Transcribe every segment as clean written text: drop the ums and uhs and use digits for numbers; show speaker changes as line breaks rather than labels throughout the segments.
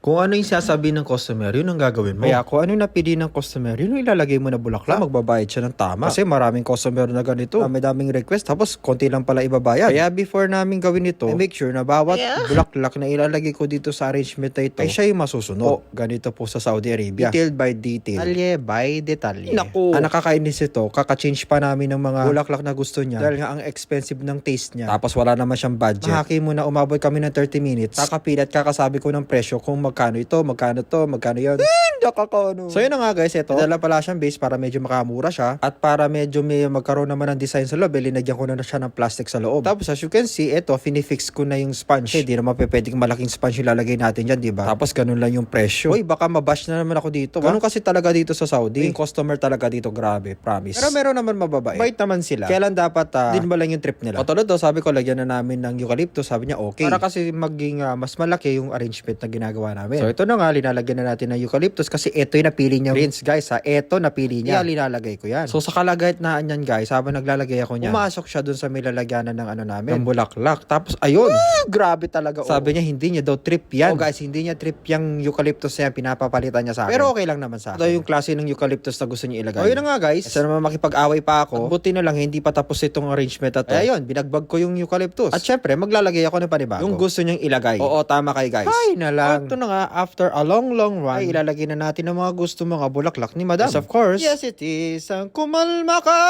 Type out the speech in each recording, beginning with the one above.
Kung ano yung sasabihin ng customer, yun ang gagawin mo. Kaya kung ano yung napili ng customer, yun ang ilalagay mo na bulaklak. Magbabayad siya ng tama. Kasi maraming customer na ganito. May daming request, tapos konti lang pala ibabayad. Kaya before namin gawin ito, I make sure na bawat bulaklak na ilalagay ko dito sa arrangement na ito, ay siya yung masusunod. Ganito po sa Saudi Arabia. Detail by detail. Detalye by detalye. Naku! Ang nakakainis ito, kaka-change pa namin ng mga bulaklak na gusto niya. Dahil nga ang expensive ng taste niya. Tapos wala naman siyang budget. Mahaki mo na umabot kami ng 30 minutes. Kakapilat, kakasabi ko ng presyo kung magkano ito, magkano to, magkano yun. Nakakano. So yun na nga guys, ito. Dala pala siyang base para medyo makamura siya. At para medyo may magkaroon naman ng design sa loob, linagyan ko na siya ng plastic sa loob. Tapos as you can see, ito, finifix ko na yung sponge. Hindi naman pwedeng malaking sponge yung lalagay natin dyan, diba? Tapos ganun lang yung presyo. Uy, baka mabash na naman ako dito. Ganun kasi talaga dito sa Saudi. Yung customer talaga dito, grabe, promise. Pero meron naman mababait. Bait naman sila. Kailan dapat, din ba lang yung trip nila? O tulad daw, sabi ko, lagyan na namin ng eucalyptus. Sabi niya, okay. Para kasi maging mas malaki yung arrangement na ginagawa namin. So ito na nga, linalagyan na natin ng eucalyptus kasi ito yung napili niya. Prince, guys ha, ito napili niya. Kaya linalagay ko yan. So sa kalagaytnaan yan guys, habang naglalagay ako niyan, pumasok siya dun sa may lalagyanan ng ano namin, ng bulaklak. Tapos ayun, grabe talaga. Sabi niya, hindi niya daw trip yan. Guys, hindi niya trip yung eucalyptus niya, pinapapalitan niya sa akin. Pero okay lang naman sa akin. Ito yung klase ng eucalyptus na gusto niya ilagay. O yun na nga guys, isa naman makipag-away pa ako. Buti na lang, hindi pa tapos itong arrangement na to. Ayun, binagbag ko yung eucalyptus. At syempre, maglalagay ako ng panibago. Yung gusto niyang ilagay. Oo, tama kayo guys. Ay na lang. Ito na nga, after a long run, ay ilalagay na natin ang mga gusto mga bulaklak ni Madam. Yes, of course. Yes, it is. Ang kumalma ka!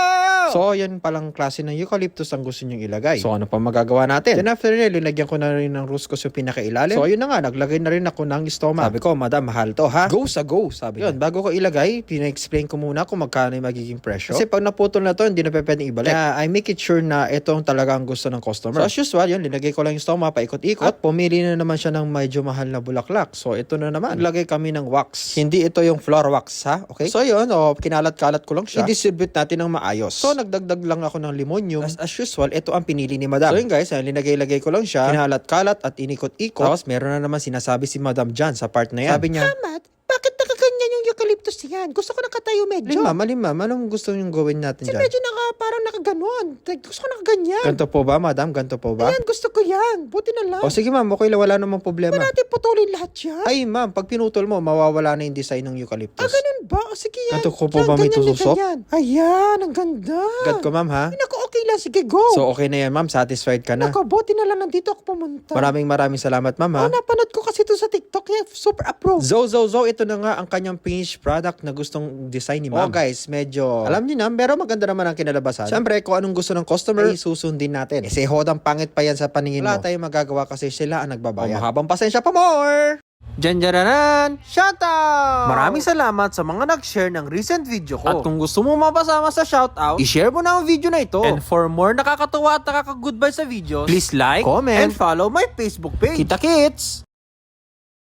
So, yan palang klase ng eucalyptus ang gusto niyang ilagay. So, ano pa magagawa natin? Then after nila, linagyan ko na rin ng ruscos yung pinakailalim. So, ayun na nga, naglagay na rin ako ng stoma. Sabi ko, Madam, mahal to ha? Go sa go, sabi yun, bago ko ilagay, pina-explain ko muna kung magkano yung magiging presyo. Kasi pag naputol na to, hindi na pwedeng ibalik. Kaya I make it sure na ito ang talaga ang gusto ng customer. So, as usual, yun, linagay ko lang yung stoma, paikot-ikot. At pumili na naman siya ng medyo mahal na bulaklak. So, ito na naman. Naglagay kami ng wax. Hindi ito yung floor wax, ha? Okay? So, yun, kinalat-kalat ko lang siya. I-distribute natin ng maayos. So, nagdagdag lang ako ng limonium. As usual, ito ang pinili ni Madam. So, yun guys, linagay-lagay ko lang siya. Kinalat-kalat at inikot-ikot. Tapos, meron na naman sinasabi si Madam dyan sa part na yan. Sabi niya, Hamad, bakit nakaganyan yung eucalyptus yan? Gusto ko nakatayo medyo. Ma'am, anong gusto niyong gawin natin dyan? Medyo parang nakaganon. Gusto ko nakaganyan. Ganto po ba, Madam? Ganto po ba? Ayan, gusto ko yan. Buti na lang. O sige ma'am, okay lang, wala namang problema. Ba natin putulin lahat yan? Ay ma'am, pag pinutol mo, mawawala na yung design ng eucalyptus. Ah, ganun ba? O sige yan. Ganto ko po ba may tutusok? Ayan, ang ganda. Gad ko ma'am ha? Naku, okay lang. Sige, go. So okay na yan ma'am, satisfied ka na? Naku, buti na lang nandito ako pumunta. Maraming salamat ma'am ha? Napanood ko kasi ito sa TikTok. Kaya super approve. Zo, ito na nga ang kanyang finished product na gustong design ni ma'am. Oh guys, medyo, alam niyo na, pero maganda naman ang kinalabasan. Siyempre, kung anong gusto ng customer, ay susundin natin. Kasi hodang pangit pa yan sa paningin mo. Wala tayong magagawa kasi sila ang nagbabayad. Mahabang pasensya pa more! Janjaranan! Shoutout! Maraming salamat sa mga nag-share ng recent video ko. At kung gusto mo mapasama sa shoutout, i-share mo na ang video na ito. And for more nakakatuwa at nakaka-goodbye sa videos, please like, comment, and follow my Facebook page. Kita kits!